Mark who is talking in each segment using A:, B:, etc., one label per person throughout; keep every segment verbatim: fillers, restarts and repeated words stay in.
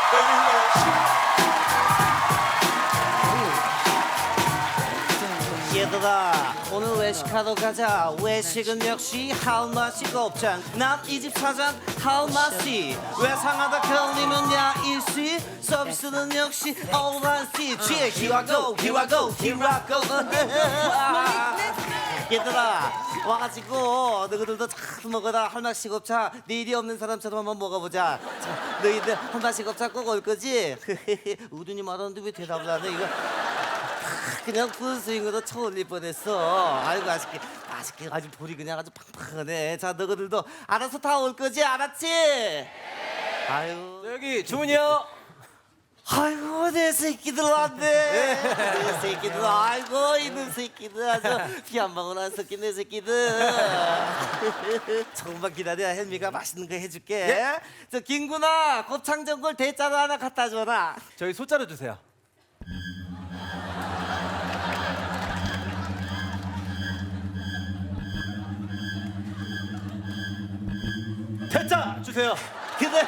A: 얘들아 오늘 외식하러 가자. 외식은 역시 한맛이 곱창. 난 이 집 사장 한맛이. 외상하다 걸리면 야 일시. 서비스는 역시 오란시. 취해 here I go here I go here I go. 얘들아 와가지고 너희들도 잘 먹어라. 한맛이 곱창. 네 일이 없는 사람처럼 한번 먹어보자. 자, 너희들 한맛이 곱창 꼭 올 거지? 우둔이 말하는데 왜 대답을 안 해? 이거 그냥 풀스윙으로 쳐올릴 뻔했어. 아이고 맛있게 맛있게 아주 볼이 그냥 아주 팡팡하네. 자 너희들도 알아서 다 올 거지? 알았지? 아유
B: 여기 주문이요.
A: 아이고 내 새끼들 왔네. 내 새끼들 아이고 이놈 새끼들 아주 피 한 방울 안 섞인 내 새끼들. 조금만 기다려. 헬미가 맛있는 거 해줄게.
B: 예?
A: 저 김구나 곱창전골 대짜로 하나 갖다 줘라.
B: 저희 소자로 주세요. 대짜 주세요.
A: 그렇지.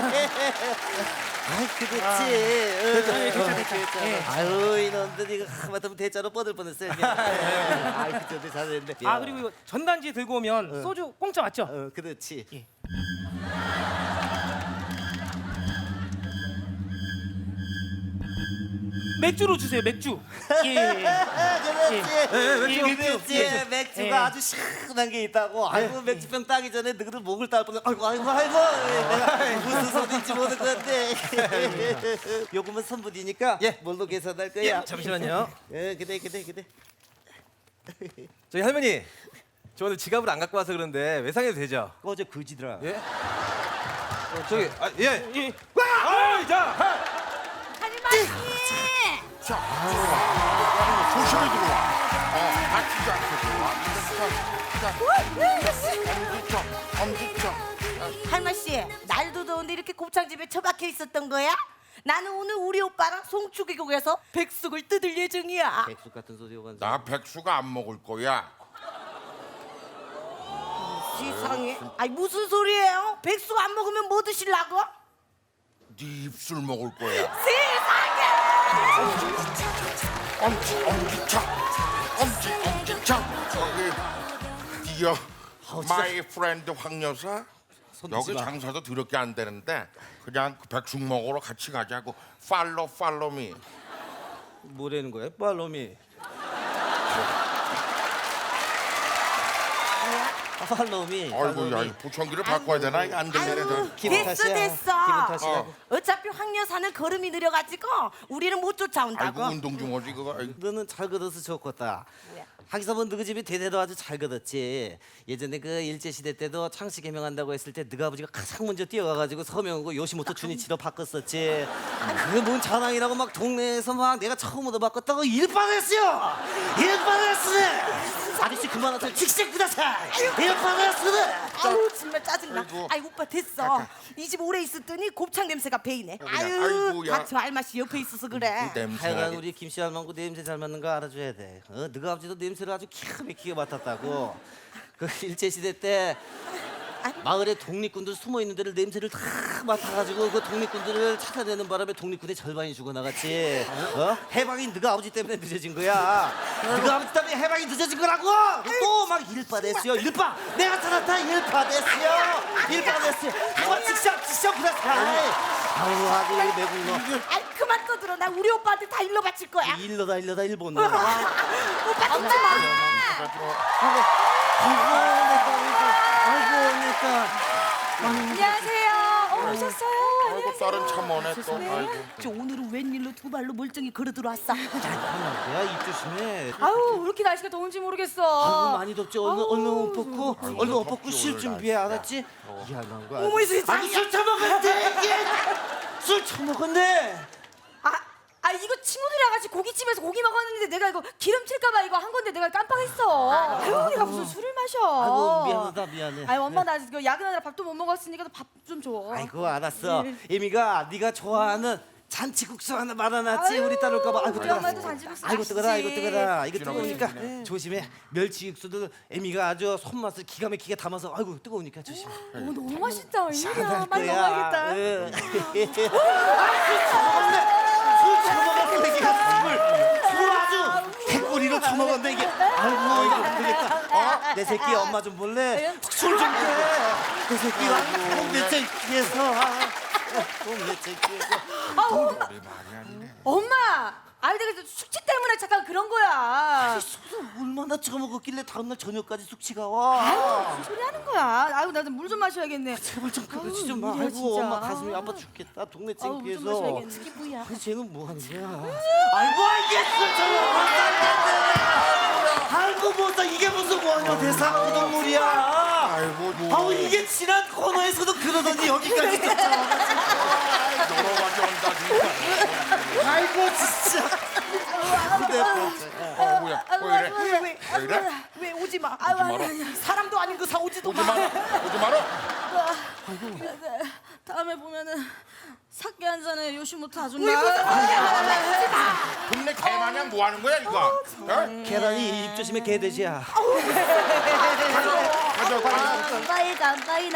A: 아이 그렇지.
B: 대짜,
A: 응. 아유 이놈들 이거 하마터면 대자로 뻗을 뻔했어요. 아이 그저도 잘했는데.
C: 아 그리고 이거 전단지 들고 오면 소주 공짜 맞죠?
A: 어 그렇지.
C: 예. 맥주로 주세요. 맥주. 예.
A: 그렇지.
C: 예, 맥주,
A: 그렇지.
C: 맥주.
A: 맥주가
C: 예.
A: 아주 시원한 게 있다고. 아이고 맥주병 따기 전에 너희들 목을 딸 뻔해. 아이고 아이고 아이고. 내가 무슨 소리인지 모를 건데. 요금은 선불이니까
B: 예.
A: 뭘로 계산할 거야?
B: 예, 잠시만요.
A: 예, 그래 그래 그래.
B: 저희 할머니, 저 오늘 지갑을 안 갖고 와서 그런데 외상해도 되죠?
A: 꺼져 거지들아.
B: 예? 어, 저기 아, 예.
C: 예.
B: 아, 자.
D: 할머니!
E: 조심히 들어와. 어, 다치지 않게 들어와. 엄지척, 엄지척.
D: 할머니 씨, 날도 더운데 이렇게 곱창집에 처박혀 있었던 거야? 나는 오늘 우리 오빠랑 송추기국에서 백숙을 뜯을 예정이야.
A: 백숙 같은 소리 오간.
E: 나 백수가 안 먹을 거야.
D: 세상에. 아니 무슨 소리예요? 백숙 안 먹으면 뭐 드실라고?
E: 네 입술 먹을 거야.
D: 세상에!
E: 엄지, 엄지척, 엄지, 엄지척. 저기, 디어, 마이 프렌드 황 여사. 여기
A: 마.
E: 장사도 더럽게 안 되는데 그냥 그 백숙 먹으러 같이 가자고. 팔로 팔로미.
A: 뭐라는 거야? 팔로미. 팔로미.
E: 아이고, 야, 이 보청기를 바꿔야 되나? 이거 안 들리네.
D: 아유,
E: 저.
A: 기분
D: 됐어
A: 탓이야.
D: 됐어.
A: 기분 탓이야.
E: 어.
D: 어차피 황 여사는 걸음이 느려가지고 우리는 못 쫓아온다고.
E: 아이고, 운동 중이지 그거. 아이고.
A: 너는 잘 걷어서 좋겠다. 하기서는 너희 집이 대대로 아주 잘 걷었지. 예전에 그 일제 시대 때도 창씨 개명한다고 했을 때 너희 아버지가 가장 먼저 뛰어가가지고 서명하고 요시모토 주니치로 바꿨었지. 그게 뭔 자랑이라고 막 동네에서 막 내가 처음으로 바꿨다고 일반했어요. 일반했어. 아저씨 그만하세요. 직접 구다사. 일반했어.
D: 아유 정말 짜증나.
E: 아이고.
D: 아이 오빠 됐어. 이 집 오래 있었더니 곱창 냄새가 배이네.
E: 그냥,
D: 아유
E: 아이고, 야.
D: 닥쳐 알맛이 옆에 있어서 그래.
E: 냄새.
A: 하여간 우리 김씨 할망구 냄새 잘 맡는 거 알아줘야 돼. 어? 너희 아버지도 냄새를 아주 기가 막히게 맡았다고. 그 일제 시대 때 마을에 독립군들 숨어 있는 데를 냄새를 다 맡아가지고 그 독립군들을 찾아내는 바람에 독립군의 절반이 죽어나갔지. 어? 해방이 너희 아버지 때문에 늦어진 거야. 너희 아버지 때문에 해방이 늦어진 거라고. 또 막 일파 됐어요. 일파. 내가 찾았다. 일파 됐어요. 일파 됐어요. 그만 직접 직접 그랬어. 아우 아주 매국 너.
D: 아이 그만 떠들어. 나 우리 오빠한테 다 일러 바칠 거야.
A: 일러다 일러다 일본 너.
D: 오빠 듣지 마.
A: 아이고 내 딸. 아이고 내 딸.
D: 안녕하세요. 어, 오셨어요?
E: 아이고, 딸은 참 오네 또. 아이고.
D: 저 오늘은 웬일로 두 발로 멀쩡히 걸어 들어왔어.
A: 야, 입 조심해.
C: 아유 왜 이렇게 날씨가 더운지
A: 아이고
C: 모르겠어.
A: 많이 덥지. 얼른 얼른 옷 벗고
E: 아이고,
A: 얼른 옷
E: 덥지,
A: 벗고 쉴
E: 오늘
A: 준비해.
E: 날씨가.
A: 알았지? 미안한 거.
D: 어머, 이 세상에.
A: 아니 술 처먹었대. 이게 술 처먹었네.
C: 아, 아 이거 친구들이랑 같이 고깃집에서 고기 먹었는데 내가 이거 기름칠까봐 이거 한 건데 내가 깜빡했어. 아유 내가 무슨 술을 마셔.
A: 아이고 미안하다 미안해.
C: 아유 엄마 나 이거 야근하느라 밥도 못 먹었으니까 밥 좀 줘.
A: 아이고 알았어. 에미가 네가 좋아하는 잔치국수 하나 말아놨지. 우리 딸 올까봐. 아이고
C: 우리
A: 뜨거라.
C: 엄마도 잔치국수
A: 아이고 뜨거라. 아이고
C: 맛있지.
A: 뜨거라. 이거
E: 지나가고
A: 뜨거우니까
E: 있네.
A: 조심해. 멸치육수도 애미가 아주 손맛을 기가 막히게 담아서. 아이고 뜨거우니까 조심해.
C: 어, 너무 맛있다. 웬일이야.
A: 잘할
C: 빨리
A: 거야.
C: 먹어야겠다.
A: 응. 술 처먹었네 이게 술을 술 아주 백골이로 처먹었네 이게. 아이고 이거 안 되겠다. 어? 내 새끼 엄마 좀 볼래? 술 좀 줘. 내 새끼가 동네 새끼에서 동네 새끼에서
E: 우리 말이 아니네.
C: 엄마. 아이 내가 숙취 때문에 잠깐 그런 거야.
A: 술을 얼마나 처먹었길래 다음날 저녁까지 숙취가 와.
C: 무슨 소리 하는 거야? 아이고 나도 물 좀 마셔야겠네.
A: 제발 좀 그러지
C: 아유,
A: 좀 마.
C: 이래야
A: 아이고
C: 진짜.
A: 엄마 가슴이 아파 죽겠다. 동네
C: 아우, 물좀
A: 창피해서.
C: 마셔야겠네. 이게 뭐야?
A: 아니 쟤는 뭐 하는 거야? 아이고 알겠어 저거 아이고 뭐다 이게 무슨 원효 대사 우동물이야.
E: 아이고 뭐
A: 아우 이게 지난 코너에서도 그러더니 여기까지 쫓아와가지고.
E: 여러 가지 온다 진짜.
A: 아이고 진짜. 내
E: 어 뭐야? 왜 이래?
D: 왜, 왜,
E: 왜 이래?
D: 왜 오지 마.
C: 아유,
E: 마라.
C: 아유, 아유.
D: 사람도 아닌 그 사 오지도
E: 오지
D: 마.
E: 마라. 오지 마라.
C: 다음에 보면은 사케 한 잔에 요시모토 아줌마.
E: 동네 개마냥 뭐 하는 거야 이거? 어?
A: 계란이 입 조심해 개돼지야.
E: 가져 가져.
D: 간바이 간바이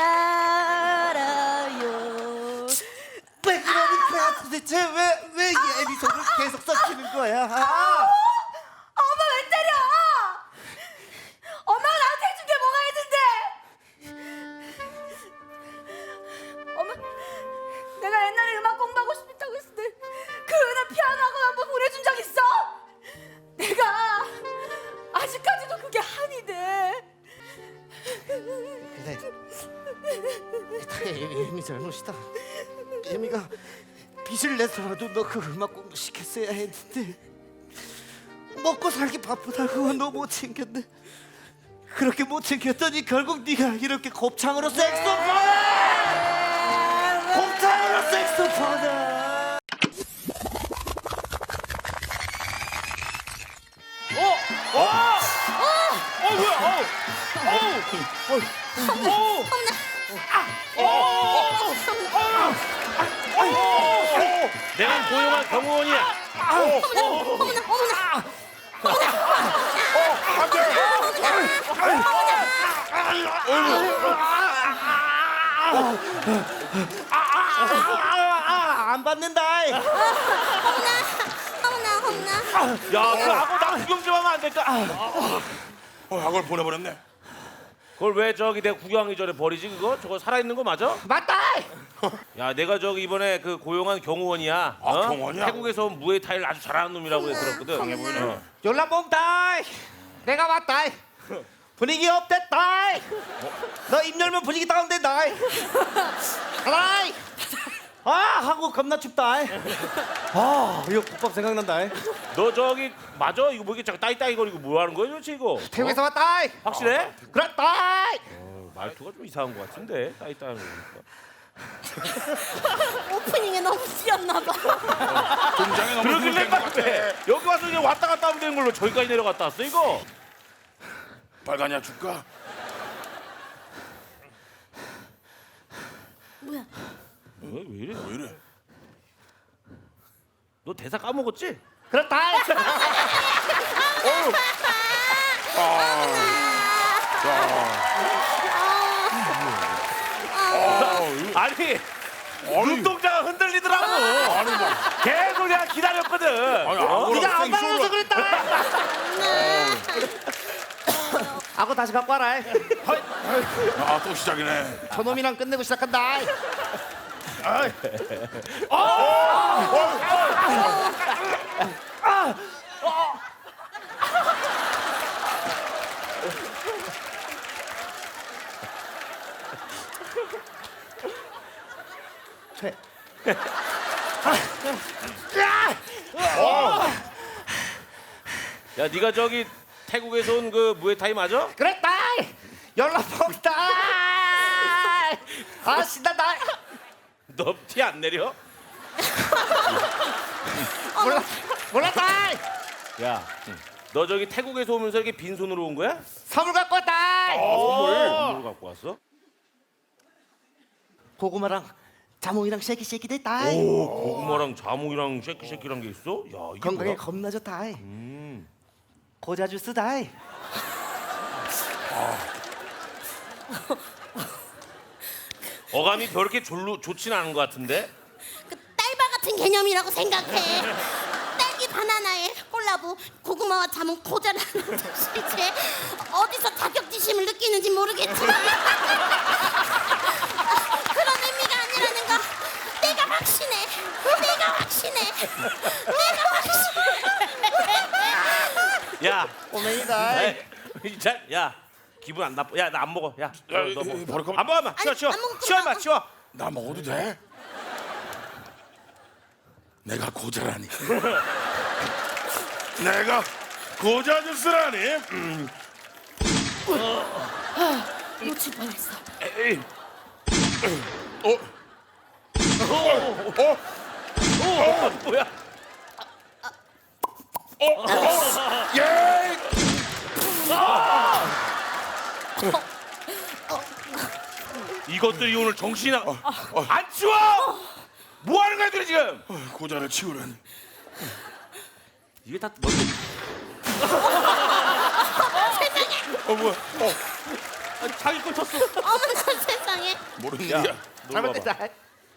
D: 날아요.
A: 왜 그러니까 도대체 왜왜 이 에피소드를 계속 섞이는 거야?
C: 엄마 왜 때려? 엄마가 나한테 해준 게 뭐가 있는데? 엄마, 내가 옛날에 음악 공부하고 싶다고 했을 때 그 은혜 피아노 학원 한번 보내준 적 있어? 내가 아직까지도 그게 한이 돼.
A: 근데 다 애미 잘못이다. 애미가 빚을 내서라도 너 그 음악 공부 시켰어야 했는데 먹고 살기 바쁘다고 너 못 챙겼네. 그렇게 못 챙겼더니 결국 네가 이렇게 곱창으로 색소폰! 곱창으로 색소폰을!
F: 내가 고용한 경호원이야.
A: 안 받는다.
F: 야, 그 하고 나 구경 좀 하면 안 될까?
E: 어, 학원 보내버렸네.
F: 그걸 왜 저기 내가 구경하기 전에 버리지 그거? 저거 살아있는 거 맞아?
A: 맞다.
F: 야, 내가 저기 이번에 그 고용한 경호원이야.
E: 아, 경호원이야?
F: 태국에서 온 무에타이를 아주 잘하는 놈이라고 들었거든. 강해 보이네.
A: 열람봉다. 내가 왔다. 분위기 업됐다. 너 입 열면 분위기 다운된다. 하나. 아 한국 겁나 춥다. 아 이거 국밥 생각난다.
F: 너 저기 맞아? 이거 뭐 이게 자꾸 따이따이 거리고 뭐 하는 거야 도대체 이거?
A: 태국에서 왔다.
F: 확실해?
A: 그렇다.
F: 어, 말투가 좀 이상한 것 같은데 따이따이 하는 거니까.
D: 오프닝에 너무 씌었나 봐.
E: 등장에 너무
F: 그러길래
E: 힘들 것
F: 빨리
E: 같아.
F: 여기 와서 그냥 왔다 갔다 하면 되는 걸로 저기까지 내려갔다 왔어 이거?
E: 빨간약 줄까?
D: 뭐야?
F: 왜, 왜 이래?
E: 왜 이래?
F: 너 대사 까먹었지?
A: 그렇다.
F: 아니 눈동자가 흔들리더라고.
E: 아니 뭐.
F: 계속 내가 기다렸거든.
E: 아니
F: 어?
A: 네가 안 받아서 그랬다. 하고 다시 갖고 와라.
E: 아또 시작이네.
A: 저놈이랑 끝내고 시작한다. 퇴.
F: 야 네가 저기 태국에서 온 그 무에타이 맞아?
A: 그랬다. 연락 없다. 아 신난다.
F: 너 티 안 내려?
A: 몰라 몰랐다.
F: 야, 너 저기 태국에서 오면서 이렇게 빈손으로 온 거야?
A: 선물 갖고 왔다.
F: 선물. 선물 갖고 왔어?
A: 고구마랑 자몽이랑 쉐키 쉐키 됐다.
F: 오, 고구마랑 자몽이랑 쉐키쉐키란 게 있어? 야, 이게
A: 건강에
F: 뭐야?
A: 겁나 좋다. 고자 주스다.
F: 어감이 그렇게 졸로 좋진 않은 것 같은데?
D: 그 딸바 같은 개념이라고 생각해. 딸기 바나나에 콜라보 고구마와 자몽 고자라는 뜻이지. 어디서 자격지심을 느끼는지 모르겠지만 그런 의미가 아니라는 거 내가 확신해. 내가 확신해. 내가 확신해.
F: 야,
A: 오메이다.
F: 에이, 자, 야, 기분 안 나빠. 야, 나 안 먹어. 야, 너, 너 먹어.
E: 버릴까?
F: 안 먹어, 마. 치워,
D: 아니,
F: 치워.
D: 안 먹을
F: 치워,
D: 거면
F: 마, 치워.
E: 나 먹어도 돼? 내가 고자라니. 내가 고자 주스라니. 음.
D: 놓칠 뻔했어.
F: 에이,
E: 어? 어? 어?
F: 어, 뭐야?
E: 예!
F: 이것들이 오늘 정신이 나. 안 치워! 뭐 하는 거야, 애들이 지금?
E: 고자를 치우라니.
F: 이게 다 먼저.
E: 어 뭐야? 어
F: 아, 자기 걸 쳤어.
D: 어머나 세상에.
E: 모르는
F: 야,
E: 일이야.
F: 놀러 와봐.
A: 잘못됐다.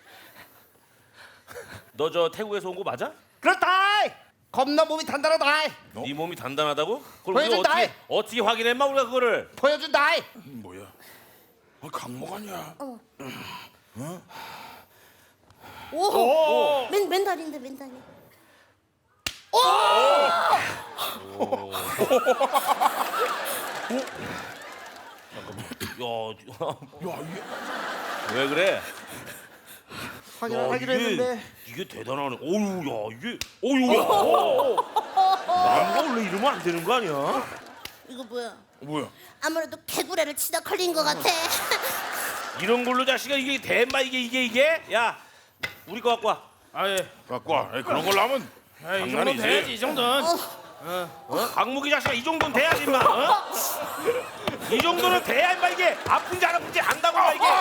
F: 너 저 태국에서 온 거 맞아?
A: 그렇다. 겁나 몸이 단단하다.
F: 네 몸이 단단하다고? 그걸 우리가
A: 보여준다.
F: 어떻게 어떻게 확인해, 마 우리가 그거를?
A: 보여준다.
E: 뭐야? 아, 강목 아니야?
D: 오. 맨 맨달인데 맨달이.
F: 야,
E: 야 이게
F: 왜 그래?
A: 확인을
F: 야,
A: 하기로
F: 이게,
A: 했는데.
F: 이게 대단하네. 어유, 야, 이게, 어유, 야. 남가 원래 이러면 안 되는 거 아니야?
D: 이거 뭐야?
E: 뭐야?
D: 아무래도 개구레를 치다 걸린 것 같아.
F: 이런 걸로 자식아 이게 대마 이게 이게 이게? 야, 우리 거 갖고 와.
B: 아예
E: 갖고 와. 에이, 그런 걸로 하면
B: 이 정도는
E: 장난이지.
B: 돼야지 이 정도는.
F: 어? 강무기 자식아 이 정도는 돼야지 임마. 어? 이 정도는 돼야 임마 이게 아픈지 안 아픈지 안다고 임마 이게.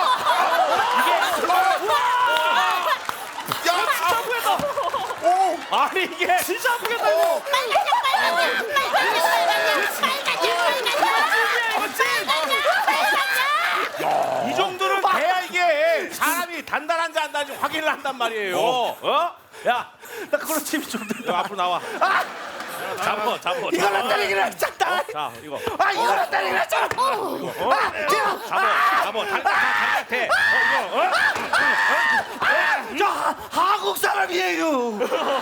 E: 야!
F: 아프겠다.
E: 오!
F: 아니 이게 진짜 아프겠다 이거.
D: 빨간색 빨간색 빨간색 빨간색 빨간색.
F: 이 정도는 돼야 이게 사람이 단단한지 안 단단한지 확인을 한단 말이에요. 어? 야,
A: 나 그런 팀이 좀 돼.
F: 너 앞으로 나와. 잡어, 잡어.
A: 이거는 때리기로 했잖아.
F: 어, 자, 이거.
A: 아 이거는 때리기로 했잖아.
F: 어? 잡어, 잡어. 단단, 돼. 어, 이거. 어?
A: 저 한국 사람이에요.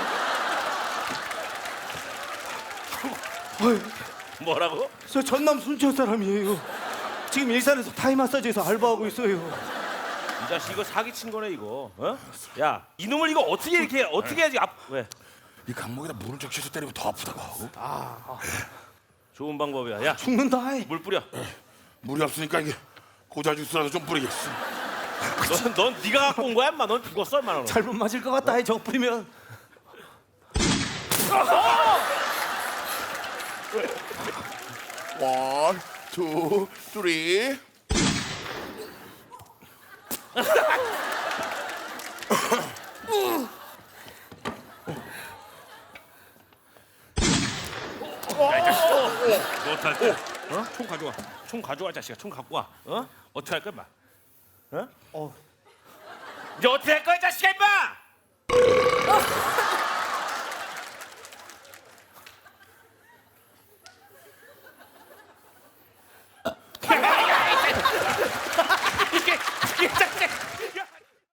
F: 뭐라고?
A: 저 전남 순천 사람이에요. 지금 일산에서 타이 마사지에서 알바하고 있어요.
F: 이 자식 이거 사기 친 거네 이거. 어? 야, 이놈을 이거 어떻게 이렇게 어떻게 해야지? 앞 왜?
E: 이 강목에다 물을 적셔서 때리면 더 아프다고.
F: 좋은 방법이야. 야,
A: 죽는다.
F: 물 뿌려.
E: 물이 없으니까 이게 고자 주스라도 좀 뿌리겠어.
F: 넌, 넌 네가 갖고 온 거야, 인마. 넌 죽었어, 인마. 너는.
A: 잘못 맞을 것 같다. 저거 뿌리면.
E: 원, 투, 쓰리.
F: 너 어떡할 거야? 어? 총 가져와. 총 가져와, 자식아. 총 갖고 와. 어? 어떻게 할 거야, 인마? 어?
A: 어.
F: 이제 어떻게 할 거야, 자식아, 인마?